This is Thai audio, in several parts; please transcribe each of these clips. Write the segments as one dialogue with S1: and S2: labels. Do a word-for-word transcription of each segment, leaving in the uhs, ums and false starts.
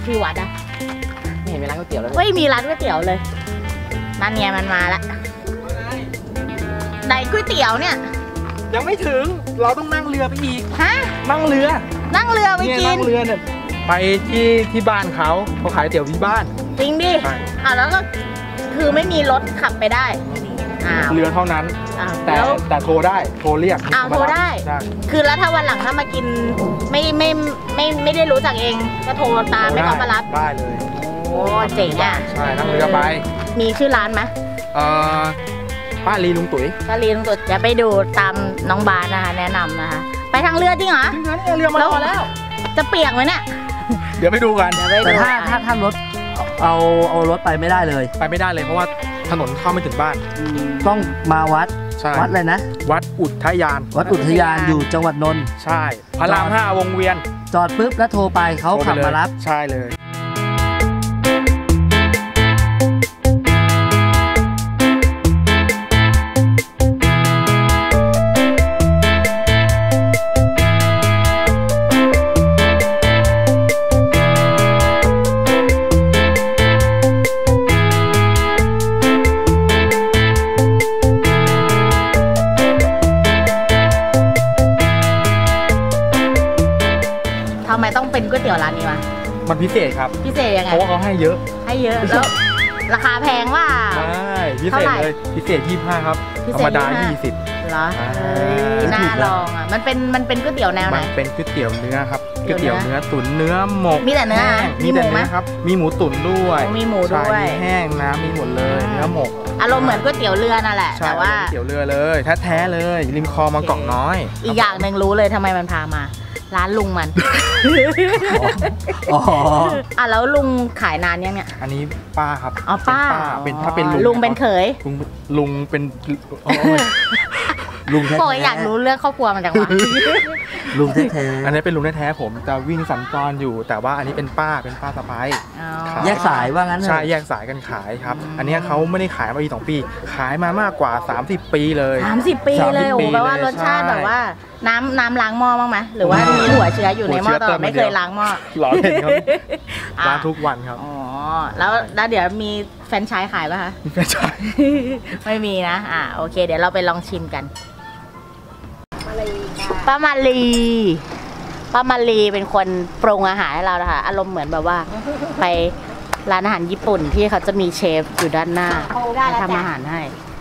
S1: ที่วัดอะ
S2: ไม่เห็นมีร้านก๋วยเตี๋ยวเลย
S1: ไม่มีร้านก๋วยเตี๋ยวเลยนั่นไงมันมาละไหนก๋วยเตี๋ยวเนี่ย
S2: ยังไม่ถึงเราต้องนั่งเรือไปอีก
S1: ฮะ
S2: นั่งเรือ
S1: นั่งเรือไปกิน
S2: นั่งเรือเนี่ยไปที่ที่บ้านเขาเขาขายเตี๋ยวที่บ้าน
S1: จริงดิอ่ะแล้วก็คือไม่มีรถขับไปได้
S2: เรือเท่านั้นแต่แต่โทรได้โทรเรียก
S1: อ้าวโทรได้คือแล้วถ้าวันหลังถ้ามากินไม่ไม่ไม่ไม่ได้รู้จักเองก็โทรตามให้เขามารับ
S2: ได้เลย
S1: โอ้เจ๋งอ่ะ
S2: ใช่นั่งเรือไป
S1: มีชื่อร้านไหม
S2: เอ่อป้าลีลุงตุ๋ย
S1: ป้าลีลุงตุ๋ยจะไปดูตามน้องบาสนะคะแนะนำนะคะไปทางเรือจริงเหรอ
S2: จริงนะเรือมาแล้ว
S1: จะเปียกไหมเนี่ย
S2: เดี๋ยวไปดูกัน
S3: แต่ถ้าถ้าถ้ารถเอาเอารถไปไม่ได้เลย
S2: ไปไม่ได้เลยเพราะว่าถนนเข้าไม่ถึงบ้าน
S3: ต้องมาวัดวัดอะไรนะ
S2: วัดอุทยาน
S3: วัดอุทยานอยู่จังหวัดนนท์
S2: ใช่พระรามห้าวงเวียน
S3: จอดปุ๊บแล้วโทรไปเขาขับมารับ
S2: ใช่เลย
S1: ทำไมต้องเป็นก๋วยเตี๋ยวร้านนี้วะ
S2: มันพิเศษครับ
S1: พิเศษยังไง
S2: เพราะว่าเขาให้เยอะ
S1: ให้เยอะแล้วราคาแพงว่า
S2: ใช่พิเศษเลยพิเศษยี่สิบห้าครับธรรมดายี่สิบ
S1: เหรอน่าลองอ่ะมันเป็นมันเป็นก๋วยเตี๋ยวแนวไหน
S2: มันเป็นก๋วยเตี๋ยวเนื้อครับก๋วยเตี๋ยวเนื้อตุ๋นเนื้อหมก
S1: มีแต่เนื้อ
S2: มีแต่เนื้อครับมีหมูตุ๋นด้วย
S1: มีหมูด้วย
S2: มีแห้งนะมีหมดเลยเนื้อหมก
S1: อารมณ์เหมือนก๋วยเตี๋ยวเรือนั่นแหละแต่ว่า
S2: ก๋วยเตี๋ยวเรือเลยแท้ๆเลยริมคลองบางกอกน้อย
S1: อีกอย่างหนึ่งรู้เลยทำไมมันพามาร้านลุงมัน
S3: อ๋อ
S1: อ่ะแล้วลุงขายนานยังเนี่ย
S2: อันนี้ป้าครับ
S1: อ๋อป้า
S2: เป็นถ้าเป็นลุง
S1: ลุงเป็นเขย
S2: ลุงลุงเป็น
S3: ลุงแท้
S1: ๆอยากรู้เรื่องครอบครัวมันจังวะ
S3: ลุงแท้
S2: ๆอันนี้เป็นลุงแท้ๆผมจะวิ่งสัญจรอยู่แต่ว่าอันนี้เป็นป้าเป็นป้าสะใภ้
S3: แยกสายว่างั้น
S2: ใช่แยกสายกันขายครับอันนี้เขาไม่ได้ขายมาปีสองปีขายมามากกว่าสามสิบปีเลย
S1: สามสิบปีเลยโอ้แปลว่ารสชาติแบบว่าน้ำน้ำล้างหม้อบ้างไหมหรือว่ามีหัวเชื้ออยู่ในหม้อตลอดไม่เคยล้างหม้อ
S2: หล่อเล่นครับล้างทุกวันครับ
S1: อ๋อแล้วแล้วเดี๋ยวมีแฟรนไชส์ขายป่ะคะ
S2: มีแฟรนไชส์
S1: ไม่มีนะอ่าโอเคเดี๋ยวเราไปลองชิมกันป้ามาลีป้ามาลีเป็นคนปรุงอาหารให้เรานะคะอารมณ์เหมือนแบบว่าไปร้านอาหารญี่ปุ่นที่เขาจะมีเชฟอยู่ด้านหน้าทำอาหารให้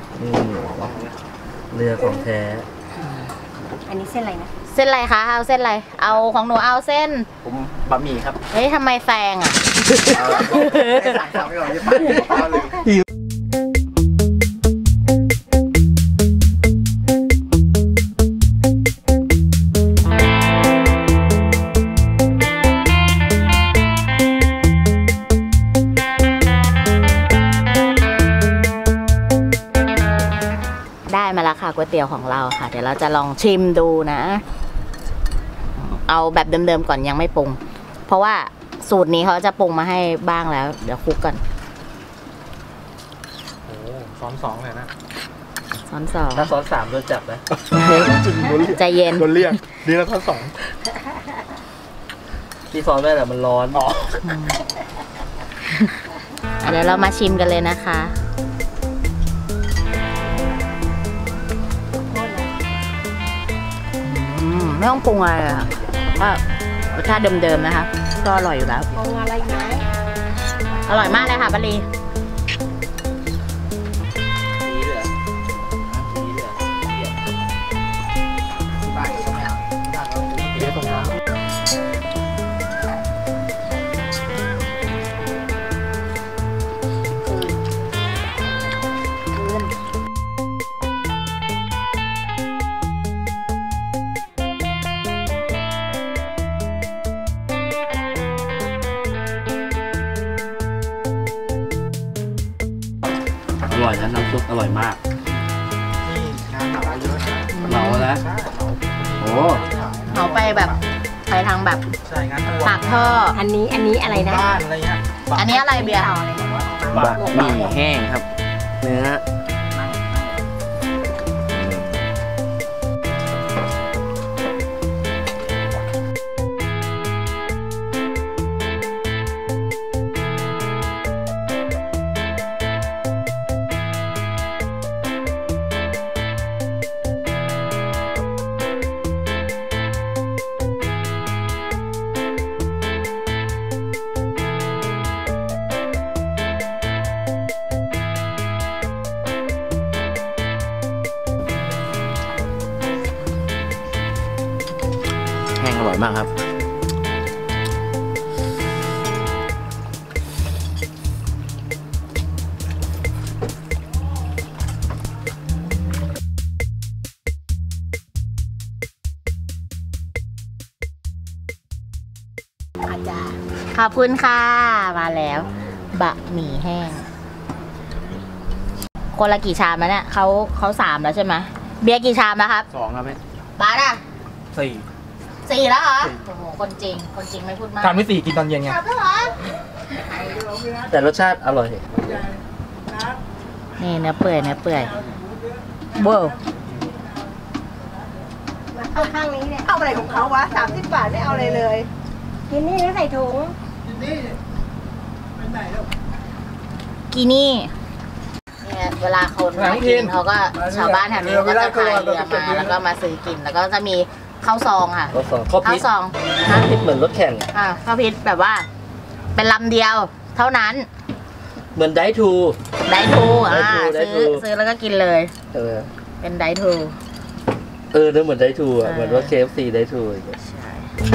S3: เรือของแท้
S1: อันนี้เส้นอะไรนะเส้นอะไรคะเอาเส้นอะไรเอาของหนูเอาเส้น
S2: ผมบะหมี่ครับ
S1: เฮ้ยทำไมแซงอ่ะมาแล้วค่ะก๋วยเตี๋ยวของเราค่ะเดี๋ยวเราจะลองชิมดูนะเอาแบบเดิมๆก่อนยังไม่ปรุงเพราะว่าสูตรนี้เขาจะปรุงมาให้บ้างแล้วเดี๋ยวคลุกก่อน
S2: โอ้ซ้อนสองเลยนะ
S1: ซ้อนสอง
S3: ถ้าซ้อนสามโดนจับนะ
S1: ใจเย็น
S2: โดนเรียกดีแล้วซ้อนสอง
S3: ที่ซ้อนได้แต่มันร้อน
S2: อ๋อ
S1: เดี๋ยวเรามาชิมกันเลยนะคะไม่ต้องปรุงอะไรอ่ะก็รสชาติเดิมๆนะคะก็อร่อยอยู่แล้วปรุงอะไรไหมอร่อยมากเลยค่ะบาลี
S3: อร่อยนะน้ำซุปอร่อยมาก
S2: นี่งานเหมาเยอะนะ
S3: เหมาแล้วโอ้
S1: เหมาไปแบบไปทางแบบปากท่ออันนี้อันนี้อะไรนะ
S2: บ้านอะไรเงี้ย
S1: อันนี้อะไรเบียร์
S3: บะหมี่แห้งครับเนื้ออยมากครับ
S1: ขอบคุณค่ะมาแล้วบะหมี่แห้งคนละกี่ชามแล้วเนี่ยเขาเขาสามแล้วใช่ไหมเบียร์กี่ชามแล้วครับ
S2: สองครับแม่
S1: บาร์อ่ะ
S2: สี่
S1: สี่แล้วเหรอโอ้โหคนจริงคนจริงไม่พูดมาก
S2: ชามที่สี่กินตอนเย็นไง
S1: สามแล้วเหรอ
S3: แต่รสชาติอร่อย
S1: นี่เนื้อเปื่อยเนื้อเปื่อยเบ้อ
S4: เอาข้างนี้เนี่ยเอาอะไรของเขาวะสามสิบบาทไม่เอาอะไรเลยกินนี่แล้วใส่ถุง
S1: กีนี่เนี่ยเวลาคนมากินเขาก็ชาวบ้านแถวนี้เขาก็จะพายเรือมาแล้วก็มาซื้อกินแล้วก็จะมีข้าวซองค่ะ
S3: ข้าวซองข้าว
S1: ข้า
S3: พิ
S1: ว
S3: ษ
S1: ซอง
S3: ข้าวพิษเหมือนรถแข่ง
S1: อ่าข้าวพิษแบบว่า เป็นลำเดียว เท่านั้น
S3: เหมือนไดทู
S1: ได้ทูอ่า
S3: ได้ทู
S1: ซื้อ
S3: ได้ทู
S1: ซื้อแล้วก็กินเลย
S3: เออ
S1: เป็นได้ทู
S3: เออนึกเหมือนไดทูอ่ะ
S1: เออ
S3: เหมือนรถ เค เอฟ ซี ไดทูอย่างเงี้ย
S1: ใช่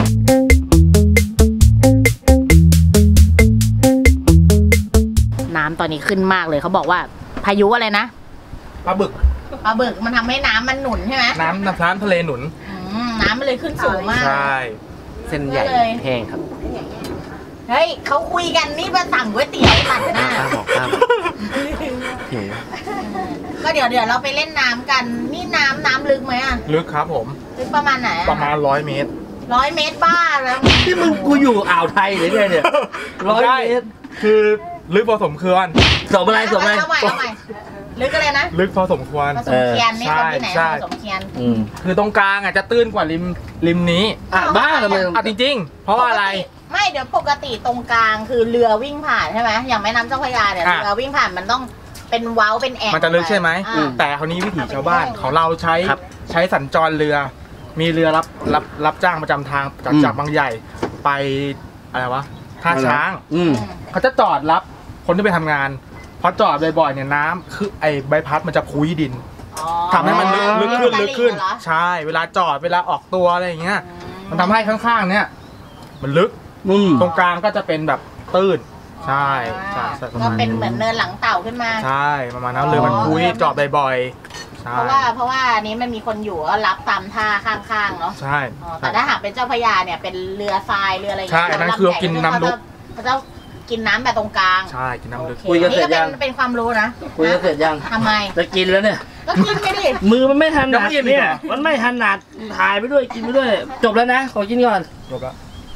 S1: น้ำตอนนี้ขึ้นมากเลยเขาบอกว่า พายุอะไรนะ
S2: ปลาบึก
S1: ปลาบึกมันทำให้น้ำมันหนุนใช่ไหม
S2: น้ำน้ำน้ำทะเลหนุน
S1: อืมน้ำมันเลยขึ้นสูงมาก
S2: ใช่
S3: เส้นใหญ่
S1: เลย
S3: แห้งครับ
S1: เฮ้ยเขาคุยกันนี่มาสั่งก๋วยเตี๋ยวตัดหน้า
S3: ข้ามบอกข้ามหิว
S1: ก็เดี๋ยวเดี๋ยวเราไปเล่นน้ำกัน นี่น้ำน้ำลึกไหมอ่ะ
S2: ลึกครับผม
S1: ลึกประมาณไหน
S2: ประมาณร้อยเมตร
S1: ร้อยเมตรบ้าแล้ว
S3: ที่มึงกูอยู่อ่าวไทยหรือไงเนี่ยร้อย
S2: ใช่
S3: เมตร
S2: คือลึกพอสมควร
S3: สมอะไรสมอะไร
S1: เอาใหม่เอาใหม่ลึกอะไรนะ
S2: ลึกพอสมควร
S1: ผสมเคียนนี่
S2: เออ
S1: คนที่ไหน
S2: ใช่
S1: ผสมเคียน
S3: อืม
S2: คือตรงกลางอ่ะจะตื้นกว่าริมริมนี้
S3: อ่ะบ้าทำไม
S2: อ่ะจริงๆ เพราะว่าอะไร
S1: ปกติไม่เดี๋ยวปกติตรงกลางคือเรือวิ่งผ่านใช่ไหมอย่างแม่น้ำเจ้าพระยาเนี่ย
S2: อ่ะ
S1: เรือวิ่งผ่านมันต้องเป็นเว้าเป็นแอ่ง
S2: มันจะลึกใช่ไหม
S1: อ่า
S2: แต่คราวนี้วิถีชาวบ้านของเราใช้
S3: ครับ
S2: ใช้สัญจรเรือ มีเรือรับรับรับจ้างประจำทางจาก
S3: อืม
S2: จากบางใหญ่ไปอะไรวะท่าช้าง
S3: อืม
S2: เขาจะจอดรับคนที่ไปทำงานพอจอดบ่อยๆเนี่ยน้ำคือไอ้ใบพัดมันจะพุ้ยดิน
S1: อ๋อ
S2: ทำให้มันลึกลึกขึ้นลึกขึ้น
S1: ตลิ่งเหรอ
S2: ใช่ เวลาจอดเวลาออกตัวอะไรอย่างเงี้ย มันทำให้ข้างๆเนี่ยมันลึก
S3: อืม
S2: ตรงกลางก็จะเป็นแบบตื้น ใช่ใช่ใช่ประ
S1: ก็
S2: มาณ
S1: เป็นเหมือนเนินหลังเต่าขึ้นมา
S2: ใช่ประมาณนั้นเรือมันพุ้ยจอดบ่อยๆใช่
S1: เพราะว่าเพราะว่าอันนี้มันมีคนอยู่ก็รับตามท่าข้างๆเนาะ
S2: ใช่
S1: อ๋อแต่ถ้าหากเป็นเจ้าพระยาเนี่ยเป็นเรือทรายเรืออะไรอย่าง
S2: ใช่
S1: เงี้ย
S2: อันนั้นคือกินน้ำลึก
S1: เขาจะกินน้ำแบบตรงกลาง
S2: ใช่กินน้ำลึก
S1: โอเคนี่ก็เป็นเป็นความรู้นะ
S3: คุยกันเสร็จยัง
S1: ทำไม
S3: จะกินแล้วเนี่ย
S1: ก็กินไปดิ
S3: มือมันไม่ถ
S2: ยั
S3: นั
S2: ง
S3: ด
S2: ไม่อิ่มอีก
S3: เนี่
S2: เห
S3: ย
S2: รอ
S3: มันไม่ถนัดถ่ายไปด้วยกินไปด้วย จบแล้วนะ ขอกินก่อน
S2: จบแล้ว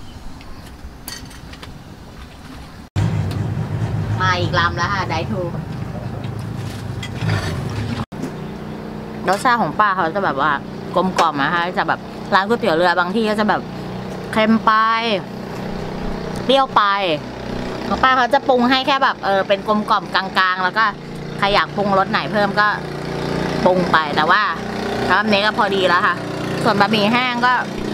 S1: มาอีกลำแล้วค่ะไดทูรสชาติของป้าเขาจะแบบว่ากลมกล่อมนะคะจะแบบร้านก๋วยเตี๋ยวเรือบางที่ก็จะแบบเค็มไปเปรี้ยวไปของป้าเขาจะปรุงให้แค่แบบเออเป็นกลมกล่อมกลางๆ แล้วก็ใครอยากปรุงรสไหนเพิ่มก็ปรุงไปแต่ว่าคำนี้ก็พอดีแล้วค่ะ ส่วนบะหมี่แห้งก็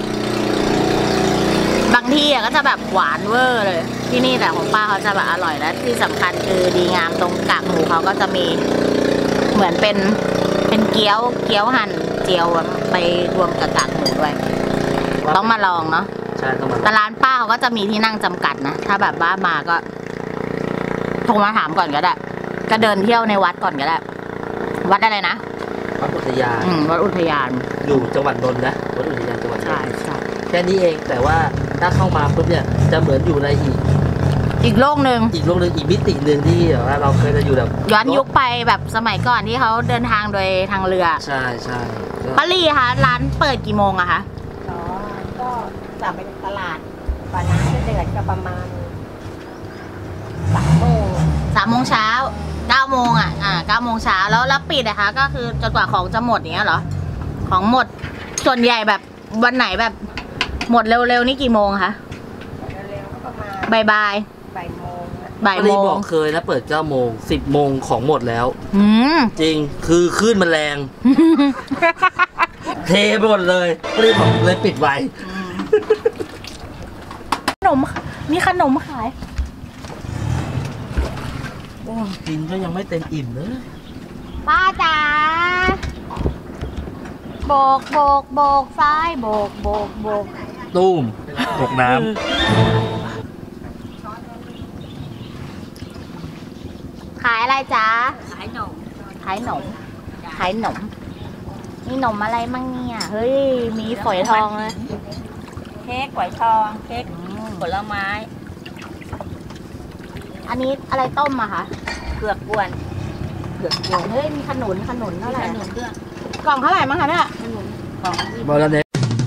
S1: บางที่ก็จะแบบหวานเวอร์เลย ที่นี่แต่ของป้าเขาจะแบบอร่อยและที่สำคัญคือดีงามตรงกากหมูเขาก็จะมีเหมือนเป็นเป็นเกี๊ยวเกี๊ยวหั่นเจียวไปรวมกับกากหมูด้วย ต้องมาลองเนาะ
S3: ใช่ต้องมา
S1: แต่ร้านป้าเขาก็จะมีที่นั่งจำกัดนะถ้าแบบว่ามาก็โทรมาถามก่อนก็ได้ก็เดินเที่ยวในวัดก่อนก็ได้วัดอะไรนะ
S3: วัดอุทยาน
S1: อืมวัดอุทยาน
S3: อยู่จังหวัดนนท์นะวัดอุทยานจังหวัดนน
S1: ใช่
S3: ท์
S1: ใช่
S3: แค่นี้เองแต่ว่าถ้าเข้ามาปุ๊บเนี่ยจะเหมือนอยู่ในอีก
S1: อีกโลกหนึ่ง
S3: อีกโลกหนึ่งอีกมิติหนึ่งที่แบบว่าเราเคยจะอยู่แบบ
S1: ย้อนยุคไปแบบสมัยก่อนที่เขาเดินทางโดยทางเรือ
S3: ใช่ใช่ก็
S1: ป้าลี่คะร้านเปิดกี่โมงอะคะ
S4: อ๋อก็กลับไปตลาดป่าน้ำจะเดือดก็ประมาณสามโมง
S1: สามโมงเช้าเก้าโมงอะอ่าเก้าโมงเช้าแล้วแล้วปิดนะคะก็คือจนกว่าของจะหมดอย่างเงี้ยเหรอของหมดส่วนใหญ่แบบวันไหนแบบหมดเร็วๆนี่กี่โมงคะ
S4: เร็วๆก็ประมาณ
S1: บ่ายบ่าย
S4: บ่ายโมงนะ
S1: บ่าย
S3: ป้า
S1: โม
S3: ลี
S1: ง
S3: บอกเคยนะเปิดเก้าโมงสิบโมงของหมดแล้ว
S1: อืม
S3: จริงคือคลื่นมันแรง เทไปหมดเลยป้าลีบอกเลยปิดไว้
S1: ขนมมีขนมขาย
S3: โอ้กินก็ยังไม่เต็มอิ่มเลย
S1: ป้าจ๋าโบกโบกโบกซ้ายโบกโบกโบก
S3: ตุ้มตกน้
S1: ขายอะไรจ๊ะ
S4: ขายหนม
S1: ขายหนม ขายหนม นี่หนมอะไรมั่งเนี่ย เฮ้ย มีฝอยทองเลย
S4: เค้กก๋วยทองเค้กผลไม้
S1: อันนี้อะไรต้มอะคะ
S4: เผือกกวน
S1: เผือกโยนเฮ้ย มีขนุน ขนุนเท่าไหร่
S4: ขนมด้วย
S1: กล่องเท่าไหร่มั้งคะเนี่ย
S4: ขนมของ
S3: ำบอลเนส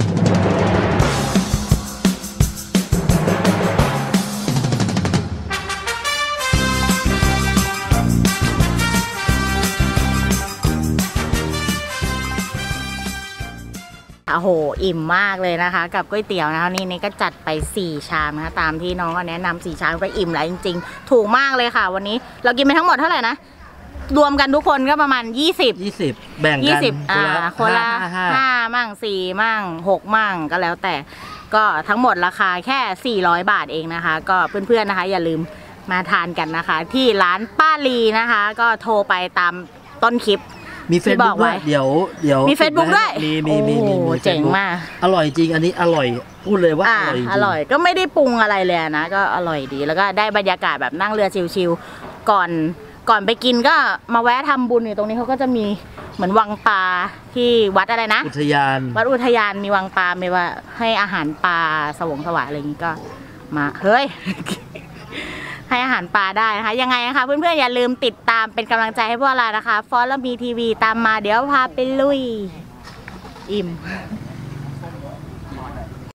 S1: โอ้โห อิ่มมากเลยนะคะ กับก๋วยเตี๋ยวนะคะนี่นี่ก็จัดไปสี่ชามนะคะตามที่น้องก็แนะนำสี่ชามก็อิ่มแล้วจริงๆ ถูกมากเลยค่ะ วันนี้เรากินไปทั้งหมดเท่าไหร่นะ รวมกันทุกคนก็ประมาณยี่สิบ
S3: ยี่สิบแบ่ง
S1: ยี่
S3: กัน
S1: สิบอ่าคนละ
S3: ห้าห้า
S1: ห้ามั่งสี่มั่งหกมั่งก็แล้วแต่ก็ทั้งหมดราคาแค่สี่ร้อยบาทเองนะคะ ก็เพื่อนๆนะคะ อย่าลืมมาทานกันนะคะ ที่ร้านป้าลีนะคะ ก็โทรไปตามต้นคลิป
S3: มีเฟซ
S1: ที่บ
S3: บุ๊
S1: อก
S3: กด้
S1: ไว้
S3: วยเดี๋ยวเดี๋ยว
S1: มี Facebook ด้วย
S3: มีมีมีมี
S1: โอ้โห
S3: มี
S1: เจ๋ง
S3: Facebook
S1: มาก
S3: อร่อยจริงอันนี้อร่อยพูดเลยว่า
S1: อ่า
S3: อร่อยจริง
S1: อร่อยก็ไม่ได้ปรุงอะไรเลยนะ ก็อร่อยดีแล้วก็ได้บรรยากาศแบบนั่งเรือชิลๆก่อนก่อนไปกินก็มาแวะทำบุญอยู่ตรงนี้เขาก็จะมีเหมือนวังปลาที่วัดอะไรนะ
S3: อุทยาน
S1: วัดอุทยานมีวังปลาไม่ว่าให้อาหารปลาสวงสวายอะไรอย่างนี้ก็มาเฮ้ย ให้อาหารปลาได้นะคะยังไงนะคะเพื่อนๆอย่าลืมติดตามเป็นกำลังใจให้พวกเรานะคะฟอสและมีทีวีตามมาเดี๋ยวพาไปลุยอิ่ม